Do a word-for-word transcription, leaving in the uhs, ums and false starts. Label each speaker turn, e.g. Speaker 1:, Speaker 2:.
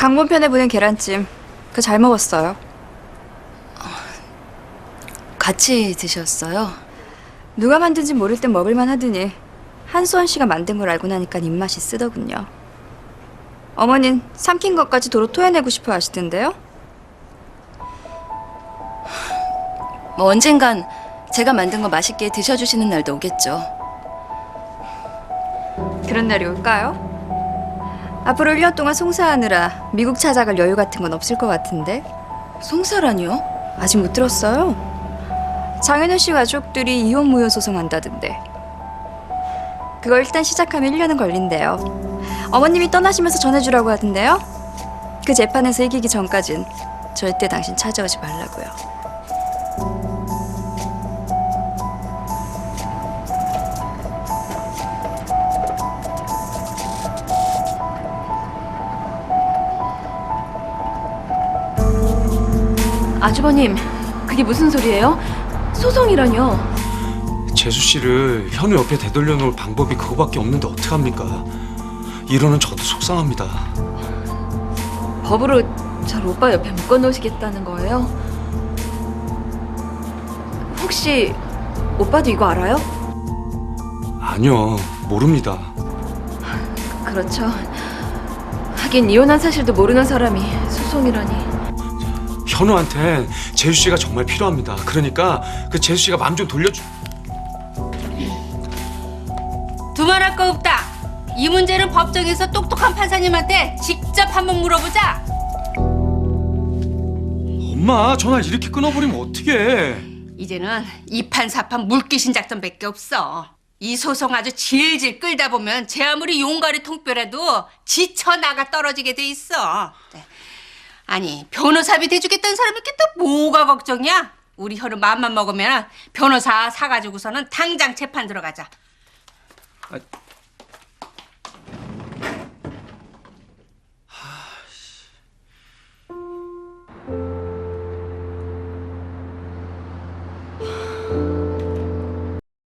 Speaker 1: 당번편에 보낸 계란찜 그 잘 먹었어요.
Speaker 2: 같이 드셨어요?
Speaker 1: 누가 만든지 모를 땐 먹을만 하더니 한수원 씨가 만든 걸 알고 나니까 입맛이 쓰더군요. 어머닌 삼킨 것까지 도로 토해내고 싶어 하시던데요?
Speaker 2: 뭐 언젠간 제가 만든 거 맛있게 드셔주시는 날도 오겠죠.
Speaker 1: 그런 날이 올까요? 앞으로 일 년 동안 송사하느라 미국 찾아갈 여유 같은 건 없을 것 같은데.
Speaker 2: 송사라니요?
Speaker 1: 아직 못 들었어요? 장현우 씨 가족들이 이혼 무효 소송한다던데. 그거 일단 시작하면 일 년은 걸린대요. 어머님이 떠나시면서 전해주라고 하던데요. 그 재판에서 이기기 전까진 절대 당신 찾아오지 말라고요.
Speaker 2: 아주버님, 그게 무슨 소리예요? 소송이라뇨?
Speaker 3: 재수 씨를 현우 옆에 되돌려 놓을 방법이 그거밖에 없는데 어떡합니까? 이러는 저도 속상합니다.
Speaker 2: 법으로 절 오빠 옆에 묶어놓으시겠다는 거예요? 혹시 오빠도 이거 알아요?
Speaker 3: 아니요, 모릅니다.
Speaker 2: 그렇죠. 하긴 이혼한 사실도 모르는 사람이 소송이라니.
Speaker 3: 현우한텐 재수 씨가 정말 필요합니다. 그러니까 그 재수 씨가 마음 좀 돌려주...
Speaker 4: 두말할 거 없다. 이 문제는 법정에서 똑똑한 판사님한테 직접 한번 물어보자.
Speaker 3: 엄마, 전화 이렇게 끊어버리면 어떡해.
Speaker 4: 이제는 이판사판 물귀신 작전밖에 없어. 이 소송 아주 질질 끌다 보면 제 아무리 용가리 통뼈라도 지쳐 나가 떨어지게 돼 있어. 네. 아니 변호사비 대주겠다는 사람이 있겠다. 뭐가 걱정이야? 우리 현우 마음만 먹으면 변호사 사가지고서는 당장 재판 들어가자.
Speaker 3: 아,